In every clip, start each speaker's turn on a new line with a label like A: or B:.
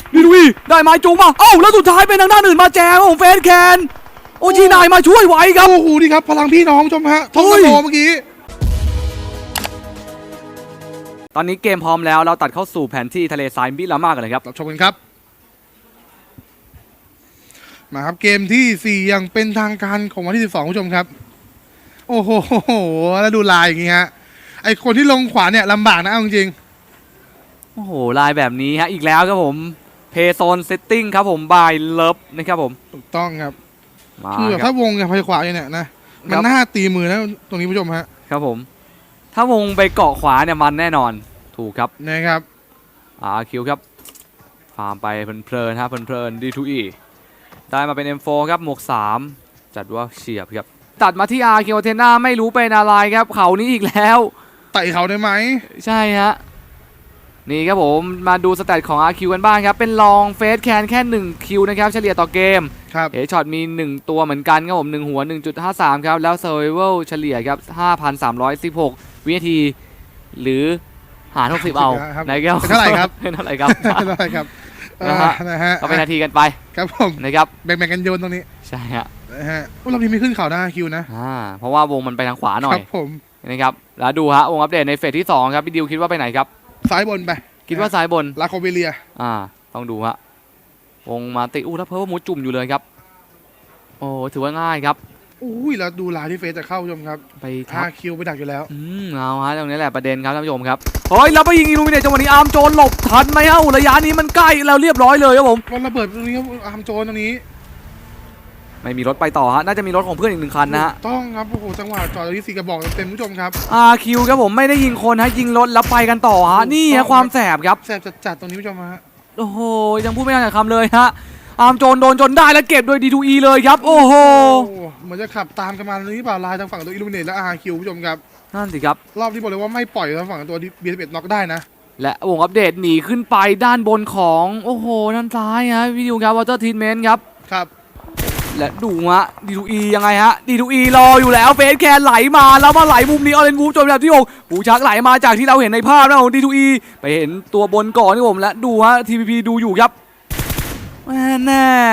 A: ดีดูอีได้ไม้จูงมาแล้วสุดท้ายเป็นทางด้านอื่นมาแจมของเฟสแคนโอจีนายมาช่วยไว้ครับ
B: โอ้โหนี่ครับพลังพี่น้องชมฮะทงกระโดเมื่อกี้
A: ตอนนี้เกมพร้อมแล้วเราตัดเข้าสู่แผนที่ทะเลทรายมิรามากันเลยครับ
B: รับชมกันครับมาครับเกมที่4อย่างเป็นทางการของวันที่12ผู้ชมครับโอ้โหแล้วดูลายอย่างงี้ฮะไอคนที่ลงขวาเนี่ยลำบากนะเอาจริง
A: โอ้โหลายแบบนี้ฮะอีกแล้วครับผมเพย์โซนเซตติ้งครับผมบายเลิฟนะครับผม
B: ถูกต้องครับคือถ้าวงกับไปขวาเนี่ยนะมันน่าตีมือนะตรงนี้ผู้ชมฮะ
A: ครับผมถ้าวงไปเกาะขวาเนี่ยมันแน่นอนถูกครับ
B: นะครับ
A: คิวครับฟาร์มไปเพลินๆฮะเพลินๆ D2E ได้มาเป็น M4 ครับหมวก3จัดว่าเฉียบครับตัดมาที่คิวเทน่าไม่รู้เป็นอะไรครับเขานี้อีกแล้ว
B: ไต่เขาได้ไหม
A: ใช่ฮะนี่ครับผมมาดูสแตทของ RQ กันบ้างครับเป็นลองเฟสแคนแค่1คิวนะครับเฉลี่ยต่อเกมเฮดช็อตมี1ตัวเหมือนกันครับผม1หัว 1.53 ครับแล้ว Survival เฉลี่ยครับ 5,316 วินาทีหรือหาร60เอา
B: ไหนแก้วเท่าไหร่ครับ
A: เท่าไหร่ครับ
B: เท่าไหร่ครับ
A: นะฮะก็เป็นนาทีกันไป
B: ครับผม
A: นะครับ
B: แบ่งกันโยนตรงนี้
A: ใช่ฮะ
B: เราทีไม่ขึ้นเขาได้คิวนะ
A: เพราะว่าวงมันไปทางขวาหน่อย
B: ครับผม
A: นะครับแล้วดูฮะวงอัปเดตในเฟสที่2ครับพี่ดิวคิดว่าไปไหนครับ
B: ซ้ายบนไป
A: คิดว่าซ้ายบน
B: ลาโคเบเลีย
A: ต้องดูฮะวงมาติแล้วเพิ่มมุดจุ่มอยู่เลยครับโอ้ถือว่าง่ายครับ
B: อุ้ยแล้วดูลายที่เฟสจะเข้าชมครับ
A: ไป
B: คิวไปดักอยู่แล้ว
A: เอาฮะตรงนี้แหละประเด็นครับท่านผู้ชมครับเฮ้ยเราไปยิงอิลูมิเนตจังหวะนี้อาร์มโจนหลบทันไหมฮะระยะนี้มันใกล้แล้วเรียบร้อยเลยครับผม
B: มันระเบิดตรงนี้อาร์มโจนตรงนี้
A: ไม่มีรถไปต่อฮะน่าจะมีรถของเพื่อนอีก1คันนะฮะ
B: ต้องครับโอ้โหจังหวะจอดที่4กระบอกเต็มผู้ชมครับ
A: คิวครับผมไม่ได้ยิงคนฮะยิงรถแล้วไปกันต่อฮะนี่ฮะความแสบครับ
B: แสบจัดตรงนี้ผู้ชมฮะ
A: โอ้โหยังพูดไม่ได้คำเลยฮะอาร์มโจนโดนจนได้แล้วเก็บโดย D2E เลยครับโอ้โห
B: เหมือนจะขับตามกันมานี้เปล่าลายทางฝั่งตัวอิลูมิเนตและคิวผู้ชมครับ
A: นั่นสิครับ
B: รอบนี้บอกเลยว่าไม่ปล่อยทางฝั่งตัวB11น็อกได้นะ
A: และวงอัปเดตหนีขึ้นไปด้านบนของโอ้โหด้านซ้ายฮะวิดีโอครับวอเตอร์ทรีทเมนต์ครับและดูฮะ D2E ยังไงฮะ D2E รออยู่แล้วเฟสแคนไหลมาแล้วมาไหลมุมนี้ออเรนวูฟจนแบบที่6หูชักไหลมาจากที่เราเห็นในภาพนะของ D2E ไปเห็นตัวบนก่อนที่ผมและดูฮะ TPP ดูอยู่ครับแน่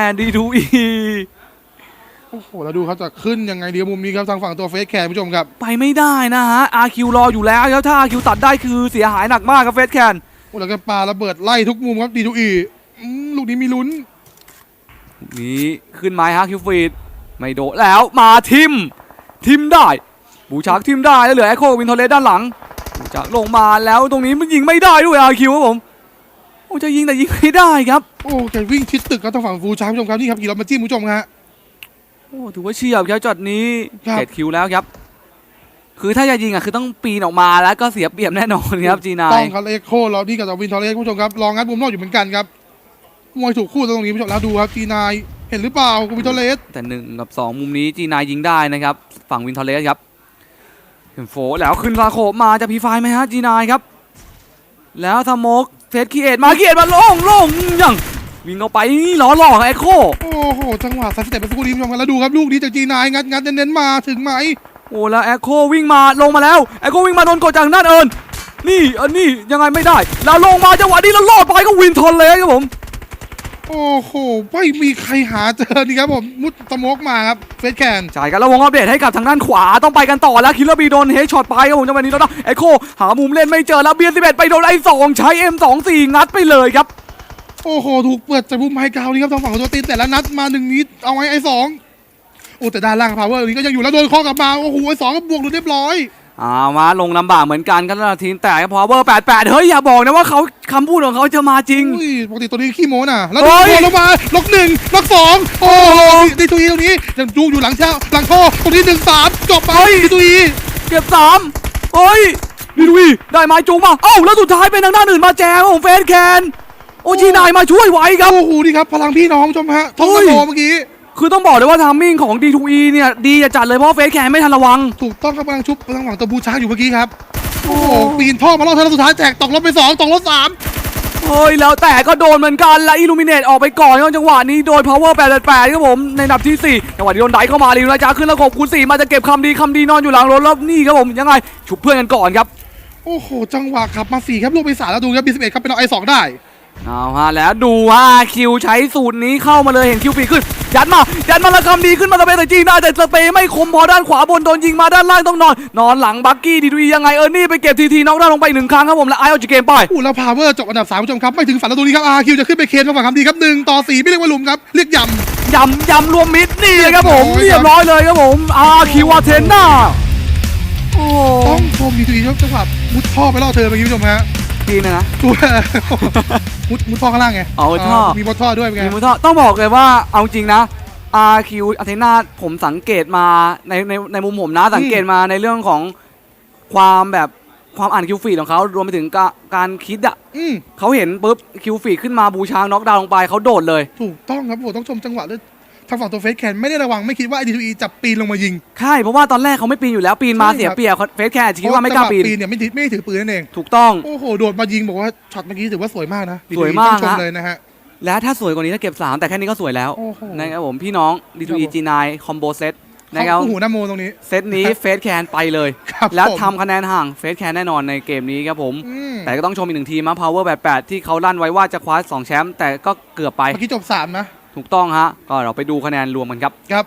A: D2E
B: โอ้โหแล้วดูเขาจะขึ้นยังไงเดียวมุมนี้ครับทางฝั่งตัวเฟสแคนผู้ชมครับ
A: ไปไม่ได้นะฮะ RQ รออยู่แล้วถ้า RQ ตัดได้คือเสียหายหนักมากครับเฟสแคน
B: แล้วก็ปาระเบิดไล่ทุกมุมครับ D2E ลูกนี้มีลุ้น
A: นี้ขึ้นไม้ฮะคิวฟีดไม่โดดแล้วมาทิมได้บูชักทิมได้แล้วเหลือแอคโควินทอร์เลสด้านหลังบูชักลงมาแล้วตรงนี้มันยิงไม่ได้ด้วยRQครับผมโอ้จะยิงแต่ยิงไม่ได้ครับ
B: โอ้แกวิ่งชิดตึกครับทางฝั่งบูชักผู้ชมครับนี่ครับกี่รอบมาจิ้มผู้ชมฮะ
A: โอ้ถือว่าเฉียบครับจอดนี้เกตคิวแล้วครับคือถ้าจะยิงคือต้องปีนออกมาแล้วก็เสียเปรียบแน่นอนครับจีนาย
B: ต้องครับเอ็กโคเรานี่กับวินทอร์เลสผู้ชมครับลองงัดมุมนอกอยู่เหมือนกันครับมวยถูกคู่ตรงนี้ผู้ชมแล้วดูครับจีนายเห็นหรือเปล่าวินทอร์เลส
A: แต่1 กับ 2มุมนี้จีนายยิงได้นะครับฝั่งวินทอร์เลสครับเห็นโฟแล้วขึ้นลาโคมาจะพีไฟไหมฮะจีนายครับแล้วสโมกเซตคีเอทมาโล่งยังวิ่งเข้าไปนี่ล้อหลอกแอคโค
B: โอ้โหจังหวะซัดสเต็ปเป็นสกูดีผู้ชมกันแล้วดูครับลูกนี้จากจีนายงัดเน้นมาถึงไหม
A: โอ้แล้วแอคโควิ่งมาลงมาแล้วแอคโควิ่งมาโดนกดจากด้านเอิญนี่ยังไงไม่ได้แล้วลงมาจังหวะนี้แล้วลอดไปก็วินทอร์เลสครับผม
B: โอ้โหไม่มีใครหาเจอดีครับผมมุดสโมกมาครับเฟสแคน
A: ใช่กันแล้ววงอัปเดตให้กับทางด้านขวาต้องไปกันต่อแล้วคิลเลอร์บีโดนเฮดช็อตไปครับผมจังหวะนี้แล้วนะเอ็กโคหามุมเล่นไม่เจอแล้วB11ไปโดนI2ใช้ M24 งัดไปเลยครับ
B: โอ้โหถูกเปิดจากมุมไฮกราวนี่ครับทางฝั่งของตัวตีนแต่ละนัดมา1นิดเอาไว้I2โอ้แต่ด้านล่างพาวเวอร์นี้ก็ยังอยู่แล้วโดนข้อกลับมาโอ้โหI2ก็บวกเรียบร้อย
A: มาลงลำบากเหมือนกันครับทีมแต่พอเวอร์88เฮ้ยอย่าบอกนะว่าเขาคำพูดของเขาจะมาจริง
B: ปกติตัวนี้ขี้โม้น่ะแล้วโดนลงมาล็อก1ล็อก2โอ้โหD2Eตรงนี้ยังจูอยู่หลังท่อตรงนี้1-3จบไปD2E
A: เก็บ3เฮ้ยD2Eได้ไม้จูงมาแล้วสุดท้ายเป็นทางด้านอื่นมาแจมของเฟสแคนโอจีนายมาช่วยไว้ครับ
B: โอ้โหนี่ครับพลังพี่น้องชมฮะทงกระโดเมื่อกี้
A: คือต้องบอกเลยว่าทามมิ่งของ D2E เนี่ยดีจัดเลยเพราะเฟสแคนไม่ทันระวัง
B: ถูกต้องครับกำลังชุบทางฝั่งตัวบูชาอยู่เมื่อกี้ครับโอ้โหปีนท่อมาล่อเธอสุดท้ายแจกตกรถไป2ตกรถ3
A: เฮ้ยแล้วแต่ก็โดนเหมือนกันและอิลูมิเนตออกไปก่อนจังหวะนี้โดย Power 88ครับผมในอันดับที่4จังหวะที่โดนไดเข้ามาลีนะจ๊ะขึ้นแล้วขบคูณ4มาจะเก็บคำดีนอนอยู่หลังรถแล้วนี่ครับผมยังไงฉุบเพื่อนกันก่อนครับ
B: โอ้โหจังหวะขับมา4ครับลูกไป3แล้วดูครับB11ครับเป็นเอาI2ได้
A: เอาฮะแล้วดูว่าคิวใช้สูตรนี้เข้ามาเลยเห็นคิวปีขึ้นยัดมาแล้วคำดีขึ้นมาสเปย์แต่จริงได้แต่สเปย์ไม่คมพอด้านขวาบนโดนยิงมาด้านล่างต้องนอนหลังบักกี้ดียังไงนี่ไปเก็บทีน็อกดาวน์ลงไป1 ครั้งครับผมแล้วไอเอาจากเกมไป
B: แล้วพาวเวอร์จบอันดับ3ผู้ชมครับไม่ถึงฝันแล้วตรงนี้ครับคิวจะขึ้นไปเคนมาฝั่งคำดีครับ1-4ไม่เรียกว่าลุมครับเรียก
A: ยำรวมมิดนี่เลยครับผมเรียบร้อยเลยครับผมคิวอาเทน่า
B: ต้องชมดีๆจังหวะมุดท่อไปล่อเธอเมื่อกี้ผู้ชมฮะ
A: ดีนะ
B: ตัวมุดท่อข้างล่างไง
A: มุดท่อ
B: มีมุดท่อด้วยเป็นไง
A: มีมุดท่อต้องบอกเลยว่าเอาจริงนะคิวอาเทน่าผมสังเกตมาในมุมผมนะสังเกตมาในเรื่องของความอ่านคิวฟีดของเขารวมไปถึงการคิดเขาเห็นปุ๊บคิวฟีดขึ้นมาบูชาน็อกดาวน์ลงไปเขาโดดเลย
B: ถูกต้องครับผมต้องชมจังหวะด้วยทางฝั่งตัวเฟสแคนไม่ได้ระวังไม่คิดว่า IDTE จะปีนลงมายิง
A: ใช่เพราะว่าตอนแรกเขาไม่ปีนอยู่แล้วปีนมาเสียเปรียบเฟสแคนคิดว่าไม่กล้าปีน
B: เนี่ยไม่ถือปืนนั่นเอง
A: ถูกต้อง
B: โอ้โหโดดมายิงบอกว่าช็อตเมื่อกี้ถือว่าสวยมากนะ
A: สวยมาก
B: ชมเลยนะฮะ
A: และถ้าสวยกว่านี้ถ้าเก็บ3แต่แค่นี้ก็สวยแล้วนะครับผมพี่น้อง D2E G9 คอมโบเซตนะครับ
B: หูน้ำโมตรงนี้
A: เซตนี้เฟสแคนไปเลยแล้วทำคะแนนห่างเฟสแคนแน่นอนในเกมนี้ครับผมแต่ก็ต้องชมอีก1 ทีมนะ Power 88ที่เขาลั่นไว้ว่าจะคว้า2 แชมป์แต่ก็เกือบไป
B: เมื่อกี้จบ3นะ
A: ถูกต้องฮะก็เราไปดูคะแนนรวมกันครับ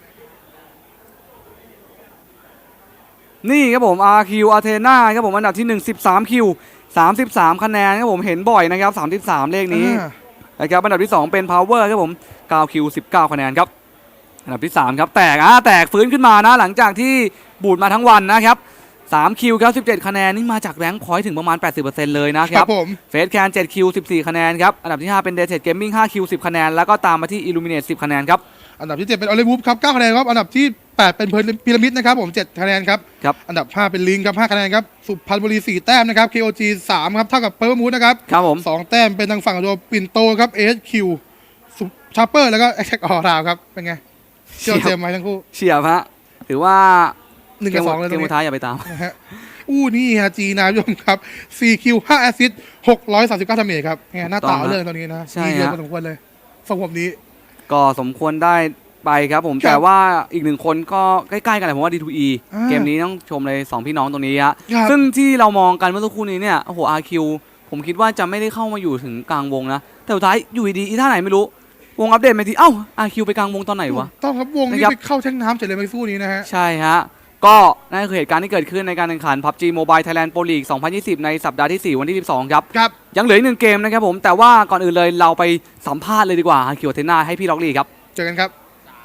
A: นี่ครับผม RQ Athena ครับผมอันดับที่1 13 คิว33 คะแนนครับผมเห็นบ่อยนะครับ33เลขนี้นะครับอันดับที่2เป็น Power ครับผม9 คิว19 คะแนนครับอันดับที่3ครับแตกฟื้นขึ้นมานะหลังจากที่บูดมาทั้งวันนะครับ3 คิวครับ17 คะแนนนี่มาจากแรงค์พอยต์ถึงประมาณ 80% เลยนะครับเฟสแคน7 คิว14 คะแนนครับอันดับที่5เป็นเดเทดเกมมิ่ง5 คิว10 คะแนนแล้วก็ตามมาที่ Illuminate 10 คะแนนครับ
B: อันดับที่7เป็นออลิวูฟครับ9 คะแนนครับอันดับที่8เป็นพีระมิดนะครับผม7 คะแนนครับอันดับ5เป็นลิงครับ5 คะแนนครับสุพรรณบุรี4 แต้มนะครับ KOG 3ครับเท่ากับเพิร์ลมูดนะครับ
A: ผม
B: 2 แต้มเป็นทางฝั่งตัวปิ่นโตครับ HQ ชาร์เปอร์แล้วก็แอคแท็กออราวครับเป็นไงเชี่ยวเจมไหมทั้งคู่
A: เฉียบฮะถือว่า
B: 1-2เลย
A: เกมสุดท้ายอย่าไปตาม
B: นี่ฮะจีนะผู้ชมครับ4 คิว5 แอสซิสต์639 ดาเมจครับไงหน้าตาเรื่องตอนนี้นะดีเยอะพอสมควรเลยฝั่งผมนี้
A: ก็สมควรได้ไปครับผมแต่ว่าอีก1 คนก็ใกล้ๆกันเลยผมว่า D2E เกมนี้ต้องชมเลย2 พี่น้องตรงนี้ฮะซึ่งที่เรามองกันเมื่อสักครู่นี้เนี่ยโอ้โห RQ ผมคิดว่าจะไม่ได้เข้ามาอยู่ถึงกลางวงนะแต่สุดท้ายอยู่ดีๆท่าไหนไม่รู้วงอัปเดตมาทีRQ ไปกลางวงตอนไหนวะ
B: ต้องครับวงนี้ไปเข้าแท่งน้ำเฉยเลยเมื่อสักครู่นี้นะฮะ
A: ใช่ฮะก็นั่นคือเหตุการณ์ที่เกิดขึ้นในการแข่งขัน PUBG Mobile Thailand Pro League 2020 ในสัปดาห์ที่4วันที่12ครับยังเหลืออีก1 เกมนะครับผมแต่ว่าก่อนอื่นเลยเราไปสัมภาษณ์เลยดีกว่าRQ Athenaให้พี่ล็อกลีครับ
B: เจอกันครับ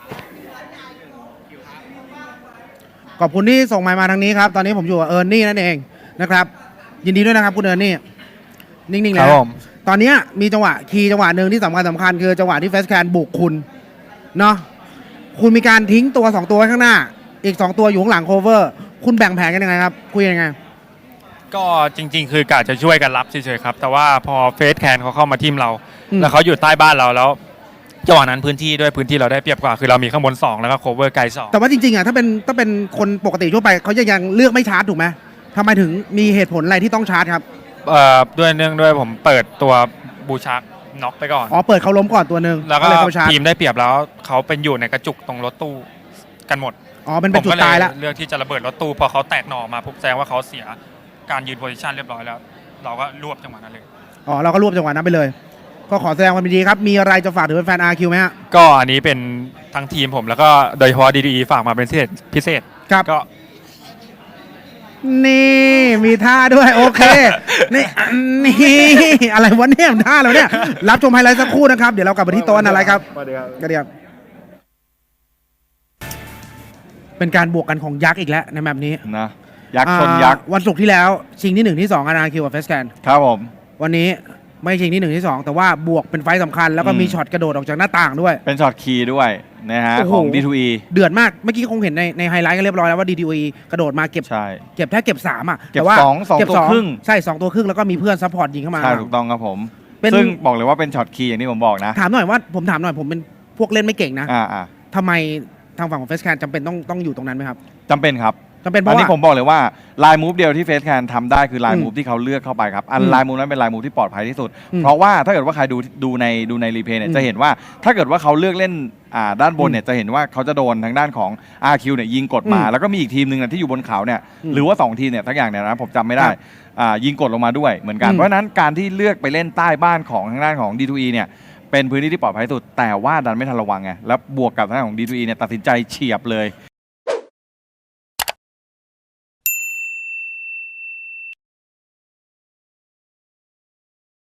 C: ขอบคุณที่ส่งมาทางนี้ครับตอนนี้ผมอยู่กับเอิร์นนี่นั่นเองนะครับยินดีด้วยนะครับคุณเอิร์นนี่นิ่งๆแล้วตอนนี้มีจังหวะหนึ่งที่สำคัญคือจังหวะที่เฟสแคนบุกคุณเนาะคุณมีการทิ้งตัว2 ตัวไว้ข้างหน้าอีก2 ตัวอยู่ข้างหลังโคเวอร์คุณแบ่งแผนกันยังไงครับคุยยังไง
D: ก็จริงๆคือกะจะช่วยกันรับเฉยๆครับแต่ว่าพอเฟสแคนเขาเข้ามาทีมเราแล้วเขาอยู่ใต้บ้านเราแล้วจังหวะนั้นพื้นที่เราได้เปรียบกว่าคือเรามีข้างบน2แล้วก็โคเวอร์ไกล2
C: แต่ว่าจริงๆถ้าเป็นคนปกติทั่วไปเขายังเลือกไม่ชาร์จถูกไหมทำไมถึงมีเหตุผลอะไรที่ต้องชาร์จครับ
D: ด้วยผมเปิดตัวบูชักน็อกไปก่อน
C: เปิดเขาล้มก่อนตัวนึง
D: แล้วก็ทีมได้เปรียบแล้วเขาเป็นอยู่ในกระจุกตรงรถตู้กันหมด
C: เป็นจุดตายแล้ว
D: เลือกที่จะระเบิดรถตู้พอเขาแตกหน่อมาปุ๊บแสดงว่าเขาเสียการยืนโพซิชันเรียบร้อยแล้วเราก็รวบจังหวะนั้นเลย
C: เราก็รวบจังหวะนั้นไปเลยก็ขอแสดงความยินดีครับมีอะไรจะฝากถึงแฟน RQ ไหมฮะ
D: ก็อันนี้เป็นทั้งทีมผมแล้วก็โดยเฉพาะ D2E ฝากมาเป็นพิเศษ
C: ครับ
D: ก็
C: นี่มีท่าด้วยโอเคนี่อะไรวะเนี่ยท่าเราเนี่ยรับชมไฮไลท์สักครู่นะครับเดี๋ยวเรากลับไปที่โต๊ะอะไรครับกระเดียบเป็นการบวกกันของยักษ์อีกแล้วในแบบนี้
E: นะยักษ์ชนยักษ์
C: วันศุกร์ที่แล้วชิงที่1ที่2RQ กับเฟสแคน
E: ครับผม
C: วันนี้ไม่ชิงที่1ที่2แต่ว่าบวกเป็นไฟสำคัญแล้วก็มีช็อตกระโดดออกจากหน้าต่างด้วย
E: เป็นช็อตคีย์ด้วยนะฮะของ D2E
C: เดือดมากเมื่อกี้คงเห็นในไฮไลท์กันเรียบร้อยแล้วว่า D2E กระโดดมาเก็บแค่เก็บ3
E: แต่ว่า2ตัวครึ่ง
C: ใช่2ตัวครึ่งแล้วก็มีเพื่อนซัพพอร์ตยิงเข้ามา
E: ใช่ถูกต้องครับผมซึ่งบอกเลยว่าเป็นช็อตคีย์อย่างที่ผมบอกนะ
C: ถามหน่อยผมเป็นพวกเล่นไม่เก่งนะทำไมทางฝั่งของเฟสแคนจำเป็นต้องอยู่ตรงนั้นไหมครับ
E: จำเป็นครับ
C: จะเป็นเพ
E: อัน
C: ราะ
E: นี้
C: ว่า
E: ผมบอกเลยว่าลายมูฟเดียวที่เฟสแคนทำได้คือลาย
C: อืม
E: มูฟที่เขาเลือกเข้าไปครับอัน
C: อืม
E: ลายมูฟนั้นเป็นลายมูฟที่ปลอดภัยที่สุด
C: อืม
E: เพราะว่าถ้าเกิดว่าใครดูในรีเพย์เนี่
C: อื
E: ย
C: ม
E: จะเห็นว่าถ้าเกิดว่าเขาเลือกเล่นด้านบนเนี่ยจะเห็นว่าเขาจะโดนทางด้านของ RQ เนี่ยยิงกดมา
C: อืม
E: แล้วก็มีอีกทีมหนึ่งที่อยู่บนเขาเนี่ย
C: อืม
E: หรือว่า2ทีมเนี่ยทั้งอย่างเนี่ยนะผมจำไม่ได้
C: ครับ
E: ยิงกดลงมาด้วยเหมือนกัน
C: อืม
E: เพราะฉะนั้นการที่เลือกไปเล่นใต้บ้านของทางด้านของ D2E เนี่ยเป็นพื้นที่ที่ปลอดภัยที่สุดแต่ว่าดันไม่ทันระวังไงแล้วบวกกับทางด้านของ D2E เนี่ยตัดสินใจเฉียบเลย